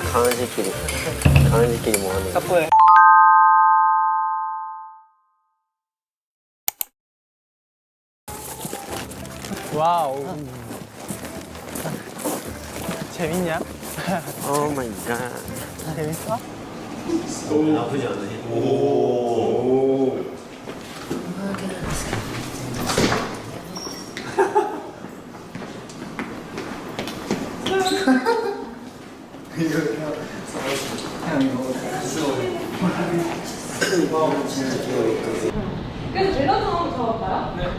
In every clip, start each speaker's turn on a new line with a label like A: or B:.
A: 강아지끼리 뭐 하는
B: 사포해. 와우. 재밌냐?
A: 오 마이 갓.
B: 재밌어?
A: 나쁘지 않으니? 오.
C: 그래서 젤라또 한번 잡아볼까요? 네.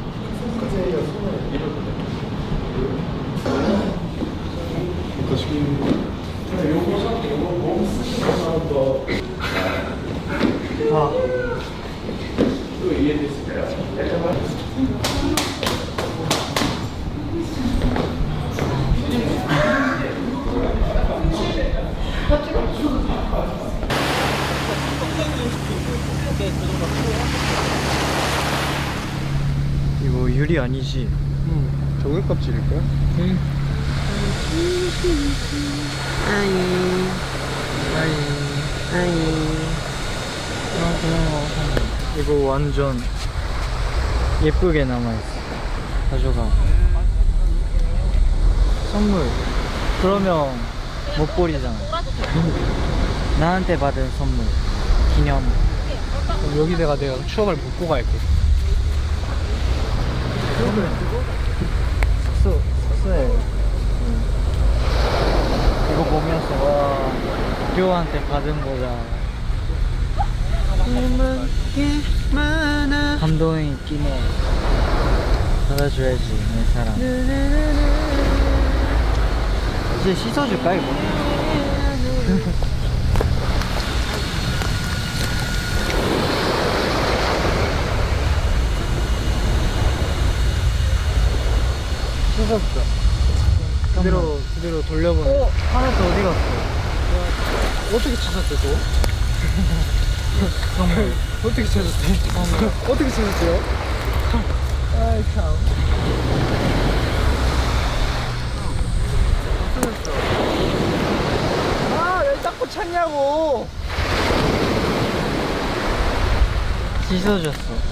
B: 이거 유리 아니지?
A: 저걸 껍질일까?
B: 이거 완전 예쁘게 남아있어. 가져가. 선물. 그러면 못 버리잖아. 나한테 받은 선물. 기념.
D: 그럼 여기다가 내가 추억을 묻고 갈게.
B: 숙소에 이거 보면서 와 료한테 받은 거다. 감동이 있기네. 받아줘야지 내 사랑. 이제 씻어줄까 이거? 씻었어. 그대로 돌려보내. 하나도 어디 갔어?
D: 어떻게 찾았대, 또?
B: 선물.
D: 어떻게 찾았대? 어떻게 찾았대요?
B: 아이 참.
D: 아, 왜 자꾸 찾냐고!
B: 씻어줬어.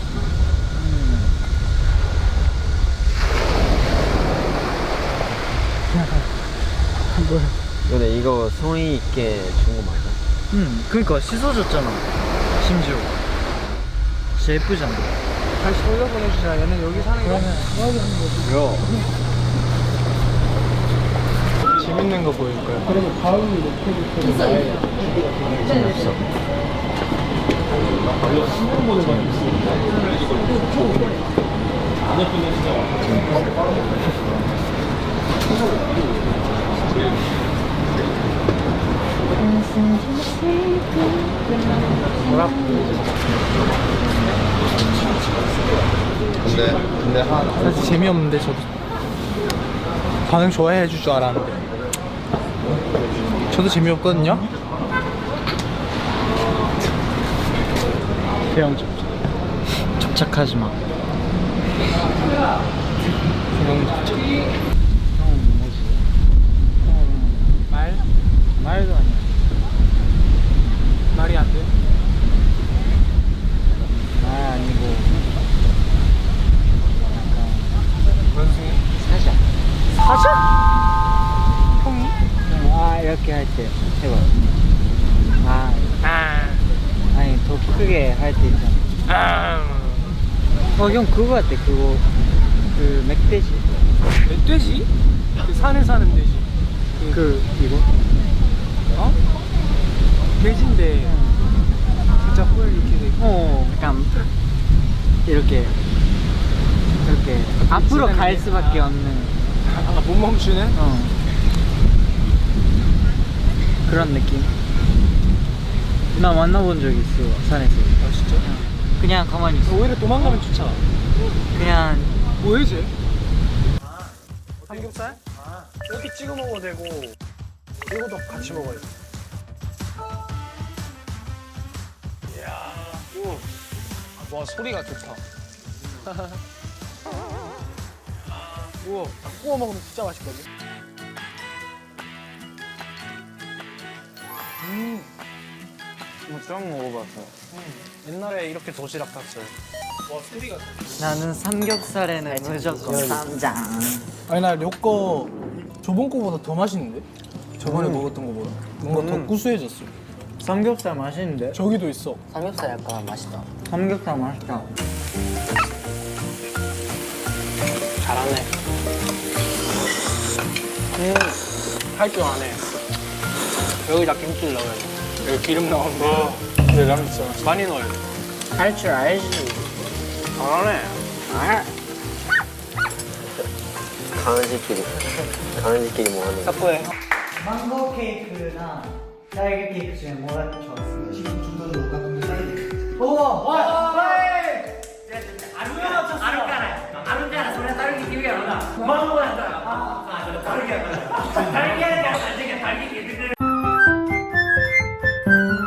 A: 근데 이거 성의 있게 준 거 맞아?
B: 그니까 씻어줬잖아. 심지어. 진짜 예쁘잖아.
D: 다시 돌려보내주자. 얘는 여기 사는 거야? 여기 하는 거지.
A: 요.
D: 재밌는 거 보일 거야. 그러면 다음이 높여줄 나의
B: 없어.
A: 근데 하나.
D: 사실 재미없는데 저도 반응 좋아해 줄 줄 알았는데 저도 재미없거든요?
B: 대형 접착하지 마.
D: 대형 접착.
B: 형은 뭐지? 형은 말도 아니야.
D: 말이 안 돼?
B: 말 아니고 약간
D: 원숭이?
B: 사자.
D: 사자? 형이?
B: 아 이렇게 할 때 해봐. 아니 더 크게 할 때 있잖아. 형 그거 같아. 그거 그 멧돼지.
D: 멧돼지? 그 산에 사는 돼지.
B: 그 이거?
D: 어? 돼지인데 진짜 홀 이렇게 돼.
B: 약간 이렇게 앞으로 갈 수밖에 없는
D: 못 멈추네?
B: 그런 느낌. 나 만나본 적 있어 산에서.
D: 아 진짜?
B: 그냥 가만히 있어.
D: 오히려 도망가면 좋잖아.
B: 그냥
D: 뭐해 쟤? 삼겹살? 이렇게 찍어 먹어도 되고 이거도 같이 먹어야 돼. 이야. 와 소리가 좋다. 우와 구워 먹으면 진짜 맛있거든. 처음 먹어봤어. 옛날에 이렇게 도시락 탔어요. 와 소리가.
B: 나는 삼겹살에는 무조건 쌈장.
D: 아니 나 요거 저번 거보다 더 맛있는데? 저번에 먹었던 거보다 뭔가 더 구수해졌어.
B: 삼겹살 맛있는데?
D: 저기도 있어.
A: 삼겹살 약간 맛있다.
B: 삼겹살 맛있다.
D: 잘하네. 할 줄 아네. 여기다 김치를 넣어야 돼. 여기 기름 나오는데. 근데 라면 진짜 맛있어. 많이 넣어야 돼.
B: 할 줄 알지.
D: 잘하네.
A: 강아지끼리 뭐 하는 거.
D: 탁구해.
B: 망고 케이크나 딸기 케이크 중에 뭐가 좋았어? 지금 둘다 녹았는데 딸기. 와! 아루까나 소리 딸기 기억이 안 나. 망고야. 딸기 딸기 딸기 딸기